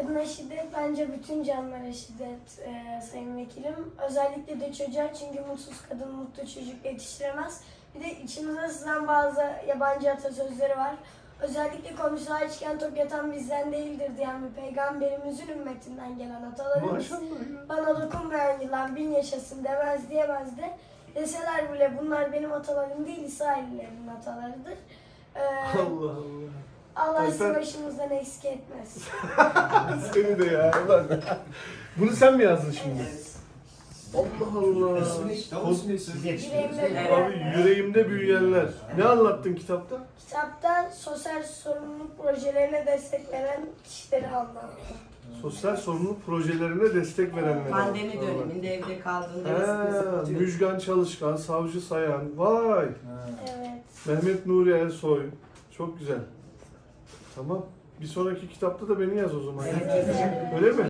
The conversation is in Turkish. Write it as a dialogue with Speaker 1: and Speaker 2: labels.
Speaker 1: Kadına şiddet bence bütün canlılara şiddet sayın vekilim. Özellikle de çocuğa, çünkü mutsuz kadın mutlu çocuk yetiştiremez. Bir de içimize sızan bazı yabancı atasözleri var. Özellikle komşular açken tok yatan bizden değildir diyen bir peygamberimizin ümmetinden gelen atalarımız.
Speaker 2: Maşallah.
Speaker 1: Bana dokunmayan yılan bin yaşasın demez diyemez de. Deseler bile bunlar benim atalarım değil, İsraillilerin atalarıdır.
Speaker 2: Allah Allah.
Speaker 1: Allah sizi
Speaker 2: Alper-
Speaker 1: başımızdan eksik etmez.
Speaker 2: Seni de ya. Ulan. Bunu sen mi yazdın şimdi?
Speaker 1: Evet.
Speaker 2: Allah Allah.
Speaker 1: Yüreğimde
Speaker 2: Abi yüreğimde büyüyenler. Ne anlattın kitapta?
Speaker 1: Kitapta sosyal sorumluluk projelerine destek veren kişileri anlattım.
Speaker 2: Sosyal sorumluluk projelerine destek verenler.
Speaker 3: Pandemi döneminde evde kaldığında
Speaker 2: Müjgan Çalışkan, Savcı Sayan. Vay.
Speaker 1: Evet.
Speaker 2: Mehmet Nuri Ersoy. Çok güzel. Tamam. Bir sonraki kitapta da beni yaz o zaman.
Speaker 3: Evet, yazacağım.
Speaker 2: Öyle mi?